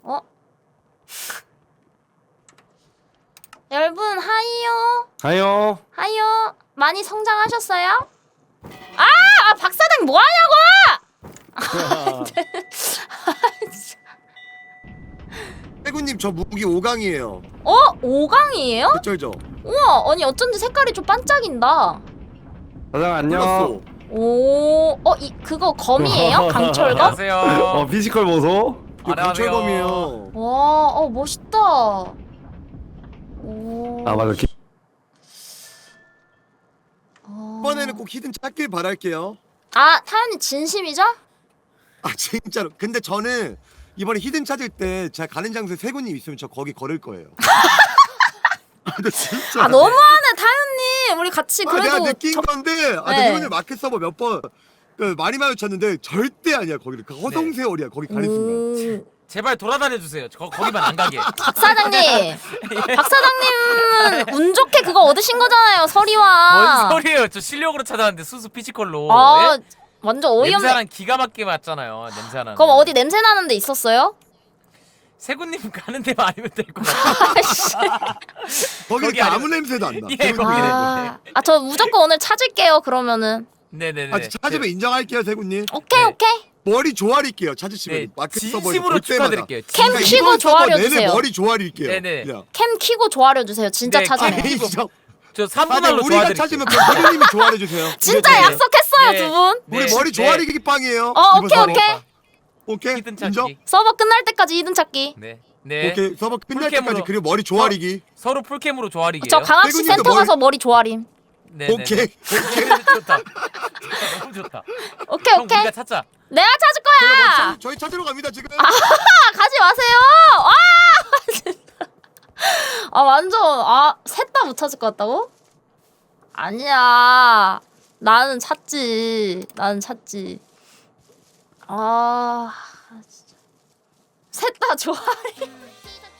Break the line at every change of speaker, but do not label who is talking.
어? 여러분 하이요.
가요.
하이요. 많이 성장하셨어요? 아 박사장 뭐 하냐고!
해군님 저 무기 5강이에요.
어? 5강이에요?
어쩔죠?
우와, 아니 어쩐지 색깔이 좀 반짝인다.
사장 안녕.
몰랐어.
오, 그거 검이에요? 강철검?
안녕하세요.
피지컬 보소.
이거 강철검이에요.
와, 멋있다. 오.
아 맞아.
이번에는 꼭 히든 찾길 바랄게요.
아, 타연이 진심이죠?
아 진짜로. 근데 저는 이번에 히든 찾을 때 제가 가는 장소에 세군님 있으면 저 거기 걸을 거예요. 아 근데 진짜.
아, 너무하네, 타연님. 우리 같이 그래도
내가 느낀 건데
네.
세군님 마켓 서버 몇 번 많이 마주쳤는데 절대 아니야 거기를. 그 허송세월이야 거기 가는 순간.
제발 돌아다녀 주세요. 거기만 안 가게.
박사장님. 박사장님은 운 좋게 그거 얻으신 거잖아요, 서리와.
뭔 소리예요? 저 실력으로 찾아왔는데 수수 피지컬로.
아,
예?
완전 어이없네.
냄새는 기가 막히게 맞잖아요. 냄새 하나.
그럼 어디 냄새 나는 데 있었어요?
세군님 가는 데만 아니면 될 것 같아.
거기
거기
이렇게 아무
아니면-
냄새도 안 나.
예,
세군님.
거기네.
저 무조건 오늘 찾을게요, 그러면은.
네네네.
아 찾으면 인정할게요 세군님.
오케이,
네.
오케이.
머리 조아릴게요 찾으시면.
네,
마켓 서버에서
진심으로
볼 때마다.
축하드릴게요.
캠
그러니까
키고
이번 서버
조아려
내내
주세요.
머리 조아릴게요.
네네.
그냥.
캠 키고 조아려 주세요. 진짜
네,
찾으면.
캠 키고.
진짜.
저
아,
3분할로
우리가
도와드릴게요.
찾으면 그 세군님이 조아려 주세요.
진짜
네, 네.
약속했어요,
네.
두 분.
우리
네,
머리
네.
조아리기 빵이에요.
오케이,
이번 서버.
오케이.
오케이.
히든
인정?
찾기.
서버 끝날 때까지 이든 찾기.
네. 네.
오케이. 서버 끝날
풀캠으로.
때까지 그리고 머리 조아리기.
서로 풀캠으로 조아리기예요.
저 강아지
세군님도
센터 가서 머리 조아림.
네.
오케이.
좋다. 너무 좋다.
오케이,
형
오케이.
우리가 찾자.
내가 찾을 거야.
저희 찾으러 갑니다 지금.
가지 마세요. 와, 진짜. 완전 셋 다 못 찾을 것 같다고? 아니야. 나는 찾지. 진짜. 셋 다 조아림.